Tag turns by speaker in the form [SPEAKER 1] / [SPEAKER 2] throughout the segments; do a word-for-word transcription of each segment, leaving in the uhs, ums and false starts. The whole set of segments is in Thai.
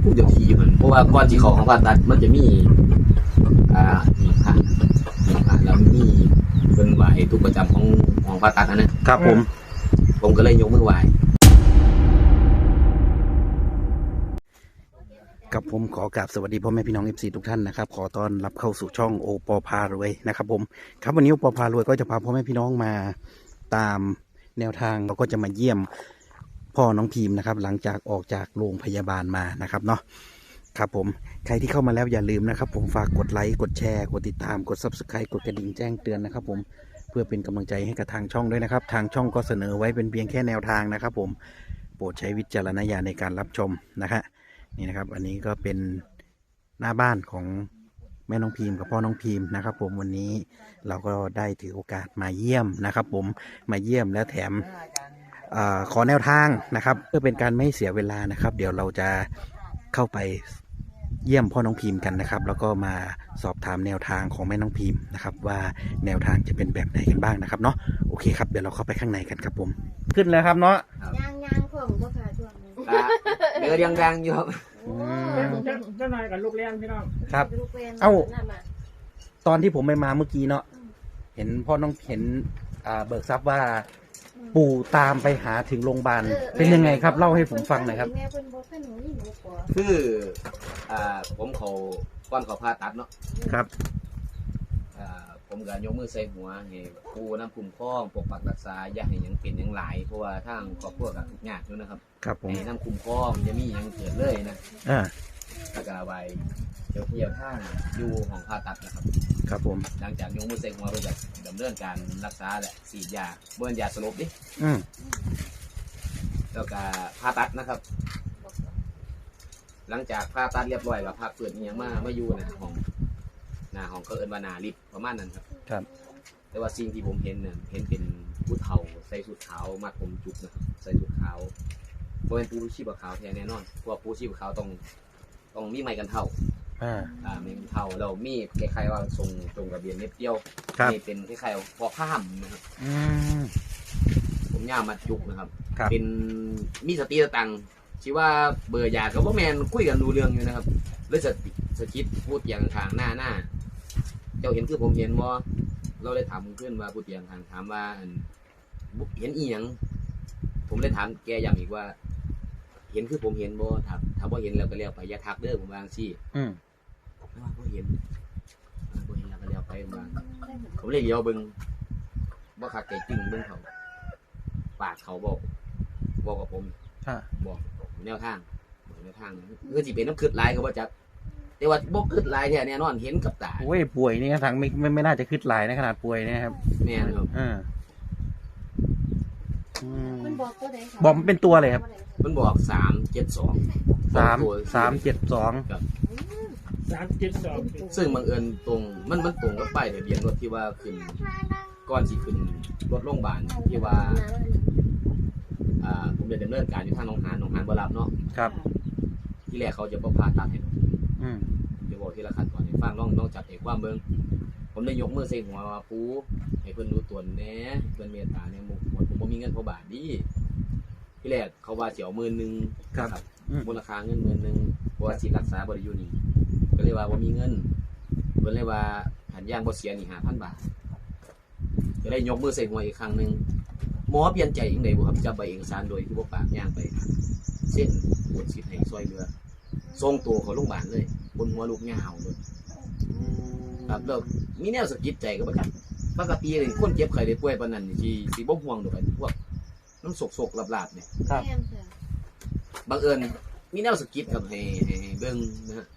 [SPEAKER 1] ผู้เจ้าที่มันเพราะว่าก่อนที่เขาของผ่าตัดมันจะมีอ่ามีพระมีพระแล้วมีเป็นไหวทุกประจำของของผ่าตัดนะครับ
[SPEAKER 2] ผม
[SPEAKER 1] ผมก็เลยยกมือไหว
[SPEAKER 2] กับผมขอกราบสวัสดีพ่อแม่พี่น้อง เอฟ ซี ทุกท่านนะครับขอต้อนรับเข้าสู่ช่องโอปอพารวยนะครับผมครับวันนี้โอปอพารวยก็จะพาพ่อแม่พี่น้องมาตามแนวทางเราก็จะมาเยี่ยมพ่อน้องพิมพ์นะครับหลังจากออกจากโรงพยาบาลมานะครับเนาะครับผมใครที่เข้ามาแล้วอย่าลืมนะครับผมฝากกดไลค์กดแชร์กดติดตามกด ซับสไครบ์ กดกระดิ่งแจ้งเตือนนะครับผมเพื่อเป็นกำลังใจให้กับทางช่องด้วยนะครับทางช่องก็เสนอไว้เป็นเพียงแค่แนวทางนะครับผมโปรดใช้วิจารณญาณในการรับชมนะฮะนี่นะครับอันนี้ก็เป็นหน้าบ้านของแม่น้องพิมพ์กับพ่อน้องพิมพ์นะครับผมวันนี้เราก็ได้ถือโอกาสมาเยี่ยมนะครับผมมาเยี่ยมและแถมอขอแนวทางนะครับเพื่อเป็นการไม่เสียเวลานะครับเดี๋ยวเราจะเข้าไปเยี่ยมพ่อน้องพิมพ์กันนะครับแล้วก็มาสอบถามแนวทางของแม่น้องพิมพ์นะครับว่าแนวทางจะเป็นแบบไหนกันบ้างนะครับเนาะโอเคครับเดี๋ยวเราเข้าไปข้างในกันครับผมขึ้นแล้วครับเนาะ
[SPEAKER 3] ย่างย่างผมก็ขาช่วงนี้
[SPEAKER 1] เดือดยังดังอยู่ครับ
[SPEAKER 4] เจ้านายกับลูกเลี้ยงพี่น้อง
[SPEAKER 2] ครับ
[SPEAKER 3] ลูกเวน
[SPEAKER 2] เอ้า
[SPEAKER 3] นั่นน่ะ
[SPEAKER 2] ตอนที่ผมไปมาเมื่อกี้เนาะเห็นพ่อน้องเห็นอ่าเบิกทรัพย์ว่าปู่ตามไปหาถึงโรงพยาบาลเป็นยังไงครับเล่าให้ผมฟังหน่อยครับ
[SPEAKER 3] แม่เป็นบอกให้หนูนี่หนูขอ
[SPEAKER 1] คืออ่าผมเขาก้อนเขาผ่าตัดเนาะ
[SPEAKER 2] ครับ
[SPEAKER 1] อ่าผมก็ยกมือใส่หัวให้ปูน้ำคุ้มครองปกปักรักษาอย่าให้หยังเป็นหยังหลายเพราะว่าทางครอบครัวก็ทุกข์ยากอยู่นะครับ
[SPEAKER 2] ครับผม
[SPEAKER 1] ให้น้ำคุ้มครองจะมีหยังเกิดเลยนะ
[SPEAKER 2] อ่า
[SPEAKER 1] แล้วก็ไว้เที่ยวเที่ยวทางอยู่ของผ่าตัดนะครับ
[SPEAKER 2] ครับผม
[SPEAKER 1] หลังจากยกมือใส่หัวไปจากดำเนินการรักษาแหละฉีดยาเบิ่นยาสลบดิ
[SPEAKER 2] อืม
[SPEAKER 1] แล้วก็ผ่าตัดนะครับ หลังจากผ่าตัดเรียบร้อยกับผ่าเปิดอิหยังมามาอยู่ในห้องหน้าห้องก็เอิ้นว่าหน้าลิฟต์ประมาณนั้นครับ
[SPEAKER 2] ครับ
[SPEAKER 1] แต่ว่าสิ่งที่ผมเห็นเนี่ยเห็นเป็นผู้เฒ่าใส่ชุดขาวมัดผมจุกนะครับใส่ชุดขาวเพราะเป็นผู้ชีพขาวแท้แน่นอนเพราะว่าผู้ชีพขาวต้องต้องมีไม้กันเท่า
[SPEAKER 2] อ่า
[SPEAKER 1] อ่ามีกันเท่าแล้วมีคล้ายๆว่าทรงตรงกระเบียนเม็ดเดียว
[SPEAKER 2] ครับ
[SPEAKER 1] นี่เป็นคล้ายๆพอข้ามนะครับ
[SPEAKER 2] อืม
[SPEAKER 1] ผมย่ามัดจุกนะครับ
[SPEAKER 2] ครับ
[SPEAKER 1] เป็นมีสติสตังค์ชื่อว่าเบอร์ยากับว่าแมนคุยกันดูเรื่องอยู่นะครับเลยสติสกิดพูดอย่างทางหน้าหน้าเจ้าเห็นคือผมเห็นว่าเราเลยถามเพื่อนว่าพูดอย่างทางถามว่าอันเห็นอีหยังผมเลยถามแกอย่างอีกว่า เห็นคือผมเห็นบ่ถามถามว่าเห็นแล้วก็เลี้ยวไปอย่าทักเด้อผมวาจั่งซี่
[SPEAKER 2] อืม
[SPEAKER 1] ว่าบ่เห็นอ่าบ่เห็นแล้วก็เลี้ยวไปมาผมเลยเลี้ยวเบิ่งบ่คักใจจริงเบิ่งเขาปากเขาบอกบอกกับผม
[SPEAKER 2] อ่า
[SPEAKER 1] บอกแนวทางบอกแนวทางคือสิเป็นน้ำคืดลายก็บ่จักแต่ว่าบ่คืดลายแท้แน่นอนเห็นกับตา
[SPEAKER 2] โอ้ยป่วยนี่ทางไม่ไม่ไม่น่าจะขึ้นหลายนะขนาดป่วยเนะครับ
[SPEAKER 1] แม่นครับ
[SPEAKER 2] อ่าอืม
[SPEAKER 3] มันบอกตัวไหนคะ
[SPEAKER 2] บอกมันเป็นตัวเลยครับ
[SPEAKER 1] มันบอกสามเจ็ดสอง
[SPEAKER 2] สามสามเจ็ดสอง
[SPEAKER 4] สามเจ็ดสอง
[SPEAKER 1] ซึ่งบังเอิญตรงมันมันตรงกับป้ายทะเบียนรถที่ว่าขึ้นก่อนสิขึ้นรถโรงพยาบาลที่ว่าอ่าผมจะดำเนินการอยู่ทางหนองหานหนองหานบ่รับเนาะ
[SPEAKER 2] ครับ
[SPEAKER 1] ที่แรกเขาจะบ่พาตัดให้
[SPEAKER 2] อืม
[SPEAKER 1] เดี๋ยวบอกทีละขั้นตอนให้ฟังน้องน้องจัดเอกความเบิ่งผมได้ยกมือใส่หัวว่าปูให้เพิ่นรู้ตัวแหน่เพิ่นเมตตาเนี่ยหมดผมบ่มีเงินพอบาทดีที่แรกเขาว่าสิเอาหมื่นนึง
[SPEAKER 2] ครับอืม
[SPEAKER 1] มูลค่าเงินหมื่นนึงเพราะว่าสิรักษาบ่ได้อยู่นี่ก็เลยว่าบ่มีเงินเพิ่นเลยว่าหันย่างบ่เสียนี่ห้าพันบาทก็ได้ยกมือใส่หัวอีกครั้งนึงหมอเปลี่ยนใจจังได๋บ่ครับจับใบเอกสารโดยที่บ่ปากย่างไปเส้นกดสิทธิ์ให้ซอยเรือส่งตัวเขาโรงพยาบาลเลยบนหัวลูกยาวเลยครับแล้วมีแนวสะกิดใจก็บ่จักปกตินี่คนเจ็บไข้ได้ป่วยปานนั้นนี่สิสิบ่ห่วงดอกไอ้พวกน้ำสกๆลาบๆเนี่ย
[SPEAKER 2] ครับ
[SPEAKER 3] แม่นค่ะ
[SPEAKER 1] บังเอิญมีแนวสกิปครับให้ให้ให้เบิ่งนะฮะ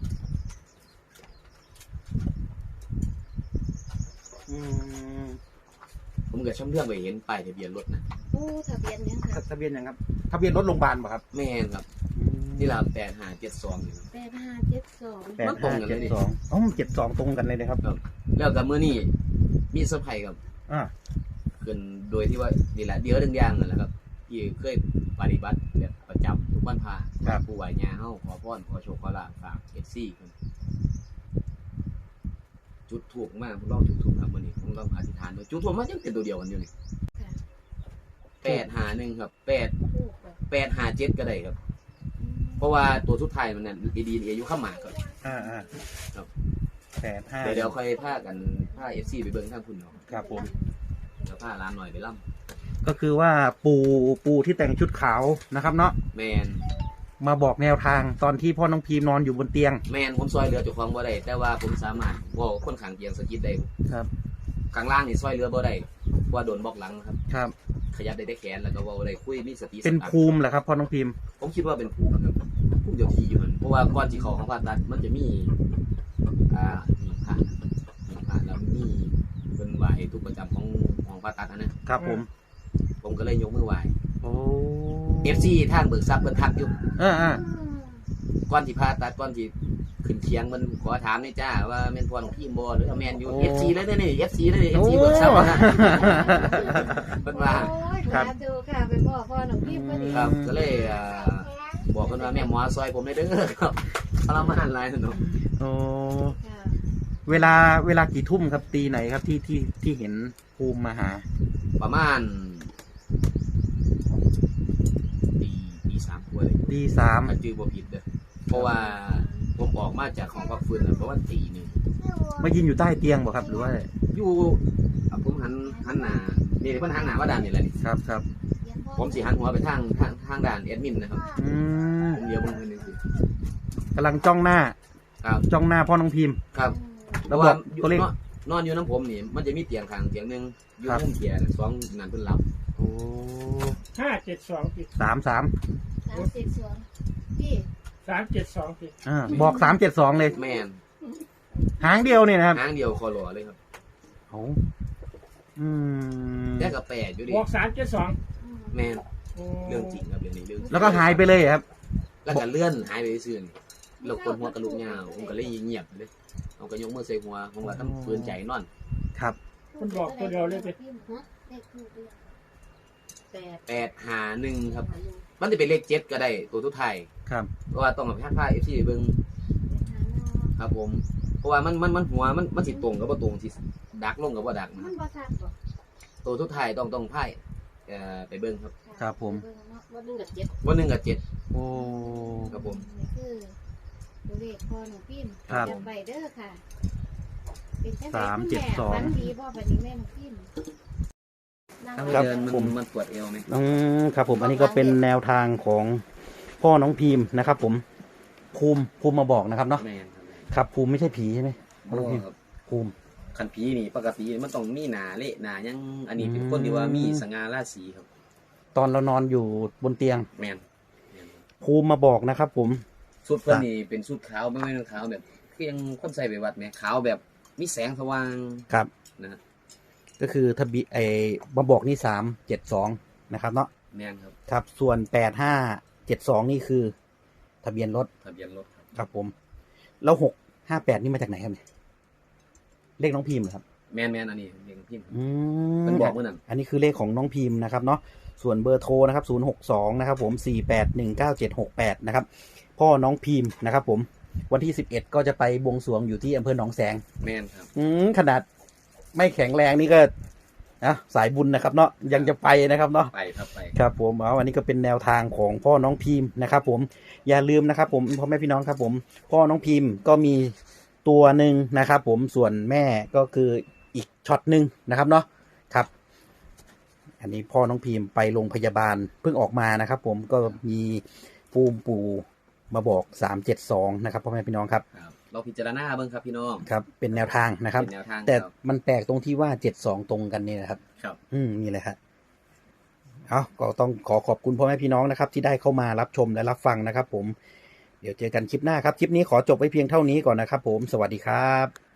[SPEAKER 2] อืม
[SPEAKER 1] ผมก็ช่ำเรื่องไปเห็นป้ายทะเบียนรถนะ
[SPEAKER 3] โอ้ทะเบียนยังค่ะ
[SPEAKER 2] ทะเบียนยังครับทะเบียนรถโรงพยาบาลป่ะครับ
[SPEAKER 1] แม่นครับนี่ละแปดห้าเจ็ดสองนี่
[SPEAKER 3] แปดห้าเจ็ดสอง
[SPEAKER 2] แปดห้าเจ็ดสองอ๋อเจ็ดสองตรงกันเลยนะครับ
[SPEAKER 1] แล้วกับมื้อนี้มีเซอร์ไพรส์ครับ
[SPEAKER 2] อ่า
[SPEAKER 1] ขึ้นโดยที่ว่านี่แหละเดี๋ยวเรื่องอย่างนั่นแหละครับที่เคยปฏิบัติแบบประจำทุกวันพระผู้ไหวญาเฮาขอพรขอโชคขอลาภฝาก เอฟ ซี เพิ่นจุดถูกมากผมลองจุดถูกครับมื้อนี้ผมลองอธิษฐานดูจุดถูกมาจังเป็นตัวเดียวกันอยู่นี่
[SPEAKER 3] ค่ะ
[SPEAKER 1] แปดห้าหนึ่งครับแปด
[SPEAKER 3] ลูกแบบ
[SPEAKER 1] แปดห้าเจ็ดก็ได้ครับ
[SPEAKER 3] อืม
[SPEAKER 1] เพราะว่าตัวสุดท้ายมันเนี่ยดีดีอายุข้ามหมากก่อน
[SPEAKER 2] อ่าอ่า
[SPEAKER 1] ครับ
[SPEAKER 2] แปดห้า
[SPEAKER 1] เดี๋ยวเดี๋ยวค่อยพากันพาเอฟซีไปเบิ้งข้างคุณเนาะ
[SPEAKER 2] ครับผม
[SPEAKER 1] เดี๋ยวพาร้านหน่อยไปล่
[SPEAKER 2] ก็คือว่าปูปูที่แต่งชุดขาวนะครับเนาะ
[SPEAKER 1] ำแมน
[SPEAKER 2] มาบอกแนวทางตอนที่พ่อน้องพีมนอนอยู่บนเตียง
[SPEAKER 1] แมนผมซอยเรือเจ้าของบ่ได้แต่ว่าผมสามารถว่าคนขังเกียงสกิดได้
[SPEAKER 2] ครับ
[SPEAKER 1] ข้างล่างนี่ซอยเรือบ่ได้เพราะว่าโดนบล็อกหลังครับ
[SPEAKER 2] ครับ
[SPEAKER 1] ขยับได้แต่แขนแล้วก็เว่าได้คุยมีสติ
[SPEAKER 2] เป็น
[SPEAKER 1] สตังค์
[SPEAKER 2] ภูมิเหรอครับพ่อน้องพีม
[SPEAKER 1] ผมคิดว่าเป็นภูมิครับภูมิเจ้าที่อยู่มันเพราะว่าก่อนที่เขาของผ่าตัดมันจะมีอ่ามีพระมีพระแล้วมีเป็นไหวทุกประจำของของผ่าตัดนะนะครับ
[SPEAKER 2] ผม
[SPEAKER 1] ผมก็เลยยกมือไหว
[SPEAKER 2] โอ้
[SPEAKER 1] เอฟซีทางเบิกทรัพย์เพิ่นทักอยู่
[SPEAKER 2] อ่าอ่า
[SPEAKER 1] ก่อนที่ผ่าตัดก่อนที่ขึ้นเคียงมันขอถามนี่จ้าว่าแม่นพ่อของพี่บ่หรือว่าแม่นอยู่ เอฟ ซี เลยเด้อนี่ เอฟ ซี เลยเด้อ เอฟ ซี เบิกทรัพย์นะเพิ่นว่า
[SPEAKER 3] โอ้ยสาธุค่ะไปพ่อพ่อหนุ่มพี่พอดี
[SPEAKER 1] ครับก็เลยอ่าบอกเพิ่นว่าแม่หมอซอยผมได้เด้อครับทรมานหลายเนาะ
[SPEAKER 2] โอ้
[SPEAKER 3] ค่ะ
[SPEAKER 2] เวลาเวลากี่ทุ่มครับตีไหนครับที่ที่ที่เห็นภูมิมาหา
[SPEAKER 1] ประมาณตีตีสามกว่าเลย
[SPEAKER 2] ตีสาม
[SPEAKER 1] ถ้าจื้อบ่ผิดเด้อเพราะว่าผมออกมาจากของพักฟื้นน่ะประมาณตีหนึง
[SPEAKER 2] มายืนอยู่ใต้เตียงบ่ครับหรือว่า
[SPEAKER 1] อยู่อ่ะผมหันหันหน้านี่เพิ่นหันหน้าว่าด้านนี่แหละนี่
[SPEAKER 2] ครับครับ
[SPEAKER 1] ผมสิหันหัวไปทางทางทางด่านแอดมินนะครับ
[SPEAKER 2] อืม
[SPEAKER 1] ผมเดียวเบิ่งเพิ่นนึงสิ
[SPEAKER 2] กำลังจ้องหน้า
[SPEAKER 1] ครับ
[SPEAKER 2] จ้องหน้าพ่อน้องพิมพ์
[SPEAKER 1] ครับ
[SPEAKER 2] แล้วบอก
[SPEAKER 1] อยู่
[SPEAKER 2] ตัวเลข
[SPEAKER 1] นอนนอนอยู่น้ำผมนี่มันจะมีเตียงข้างเตียงหนึงอยู่
[SPEAKER 2] ครับ
[SPEAKER 1] มุมเตียงสองนั่นเพิ่นหลับ
[SPEAKER 2] โอ้
[SPEAKER 4] ห้าเจ็ดสองสิ
[SPEAKER 2] สามสาม
[SPEAKER 3] สามสิบสองพี่
[SPEAKER 4] สามเจ็ดสองสิ
[SPEAKER 2] อ่าบอกสามเจ็ดสองเลย
[SPEAKER 1] แม่น
[SPEAKER 2] หางเดียวเนี่ยนะครับ
[SPEAKER 1] หางเดียวคอหล่อเลยครับ
[SPEAKER 2] โอ้อืม
[SPEAKER 1] แต่ก็แปลกอยู่ดิ
[SPEAKER 4] บอกสามเจ็ดสอง
[SPEAKER 1] แม่นเรื่องจริงครับเรื่องนี้เรื่องจริง
[SPEAKER 2] แล้วก็หายไปเลยครับ
[SPEAKER 1] แล้วก็เลื่อนหายไปซื่อๆนี่แล้วคนหัวกระลุกยาวผมก็เลยเงียบเลยเอาก็ยกมือใส่หัวผมว่าทำปืนใจนอน
[SPEAKER 2] ครับ
[SPEAKER 4] คุณบอกตัวเดียวเลยสิ
[SPEAKER 3] เลขทูปเลยแปด
[SPEAKER 1] แปดหาหนึ่งครับ มันจะเป็นเลขเจ็ดก็ได้ตัวทุกไทาย
[SPEAKER 2] ครับ
[SPEAKER 1] เพราะว่าต้องกับพาเอฟซีเบิ้งครับผม เพราะว่ามันมันมันหัวมันมันสิตรงกับว่าตรงสิดักลงกับว่าดักนะค
[SPEAKER 3] มั
[SPEAKER 1] รั
[SPEAKER 3] น
[SPEAKER 1] บ
[SPEAKER 3] บ่ทักบ่
[SPEAKER 1] ตัวทุกไทายต้องต้องไพ่เอ่อไปเบิ้งครับ
[SPEAKER 2] ครับผม
[SPEAKER 3] วันหนึ่งกับเจ็ด
[SPEAKER 1] วันหนึ่งกับเจ็ด
[SPEAKER 2] โอ้
[SPEAKER 1] ครับผม
[SPEAKER 3] นี่คือตัวเลขพ่อหนุ่มพี่
[SPEAKER 2] ครับ
[SPEAKER 3] จำใบเด้อค่ะเป็นจังได
[SPEAKER 2] สาม
[SPEAKER 3] คุณ
[SPEAKER 2] เจ็ด
[SPEAKER 3] แม่
[SPEAKER 2] สอง
[SPEAKER 3] ฝันดีบ่บัดนี้แม่หนุ่มพี่นั่ง
[SPEAKER 1] ถ้า
[SPEAKER 3] ไว้
[SPEAKER 1] ไม่
[SPEAKER 2] ครับ
[SPEAKER 1] เดินมัน
[SPEAKER 2] ผม
[SPEAKER 1] มันปวดเอวไหม
[SPEAKER 2] อืมครับผมอันนี้ก็เป็นแนวทางของพ่อน้องพิมพ์นะครับ ผมภูมิภูมิมาบอกนะครับเนาะ
[SPEAKER 1] แม่นครับ
[SPEAKER 2] ครับภูมิไม่ใช่ผีใช่ไหมพ่อ
[SPEAKER 1] โอ้
[SPEAKER 2] น้องพิมพ์
[SPEAKER 1] ครับ
[SPEAKER 2] ภูมิ
[SPEAKER 1] คันผีนี่ปกติมันต้องมีหนาเละหนายังอันนี้เป็นคนที่ว่ามีสง่าราศีครับ
[SPEAKER 2] ตอนเรานอนอยู่บนเตียง
[SPEAKER 1] แมนแม่น
[SPEAKER 2] ภูมิมาบอกนะครับ ผม
[SPEAKER 1] สุดเพิ่นนี่เป็นสุดขาวไม่ไม่เป็นขาวแบบคือยังคนใส่ไปวัดไหมขาวแบบมีแสงสว่าง
[SPEAKER 2] ครับ
[SPEAKER 1] นะฮะ
[SPEAKER 2] ก็คือทะเบียไอมาบอกนี่สามเจ็ดสองนะครับเนาะ
[SPEAKER 1] แมนครับ
[SPEAKER 2] ครับ ส่วนแปดห้าเจ็ดสองนี่คือ ทะเบียนรถ
[SPEAKER 1] ทะเบียนรถครับ
[SPEAKER 2] ครับผม แล้วหกห้าแปดนี่มาจากไหนครับเนี่ยเลขน้องพิมพ์เหรอครับ
[SPEAKER 1] แมนแมนอันนี้เด็กพิมพ์
[SPEAKER 2] อืม
[SPEAKER 1] มันบอกเมื่อนั้น
[SPEAKER 2] อันนี้คือเลขของน้องพิมพ์นะครับเนาะส่วนเบอร์โทรนะครับศูนย์หกสองนะครับผมสี่แปดหนึ่งเก้าเจ็ดหกแปดนะครับพ่อน้องพิมพ์นะครับผมวันที่สิบเอ็ดก็จะไปบวงสรวงอยู่ที่อำเภอหนองแสง
[SPEAKER 1] แมนครับ
[SPEAKER 2] อืมขนาดไม่แข็งแรงนี่ก็นะสายบุญนะครับเนาะยังจะไปนะครับเนาะ
[SPEAKER 1] ไปครับไป
[SPEAKER 2] ครับผมเอาอันนี้ก็เป็นแนวทางของพ่อน้องพิมพ์นะครับผมอย่าลืมนะครับผมพ่อแม่พี่น้องครับผมพ่อน้องพิมพ์ก็มีตัวหนึ่งนะครับผมส่วนแม่ก็คืออีกช็อตหนึ่งนะครับเนาะครับ อันนี้พ่อน้องพิมพ์ไปโรงพยาบาลเพิ่งออกมานะครับ ผมก็มีภูมิปู่มาบอกสามเจ็ดสองนะครับพ่อแม่พี่น้องครับ
[SPEAKER 1] ครับ เราพิจารณาเบิ่งครับพี่น้อง
[SPEAKER 2] ครับเป็นแนวทางนะครับ
[SPEAKER 1] เป็นแนวทาง
[SPEAKER 2] แต่
[SPEAKER 1] ครับ
[SPEAKER 2] มันแปลกตรงที่ว่าเจ็ดสองตรงกันนี่นะครับ
[SPEAKER 1] ครับ
[SPEAKER 2] อืมนี่เลยฮะเอาก็ต้องขอขอบคุณพ่อแม่พี่น้องนะครับ ที่ได้เข้ามารับชมและรับฟังนะครับ ผมเดี๋ยวเจอกันคลิปหน้าครับคลิปนี้ขอจบไว้เพียงเท่านี้ก่อนนะครับ ผมสวัสดีครับ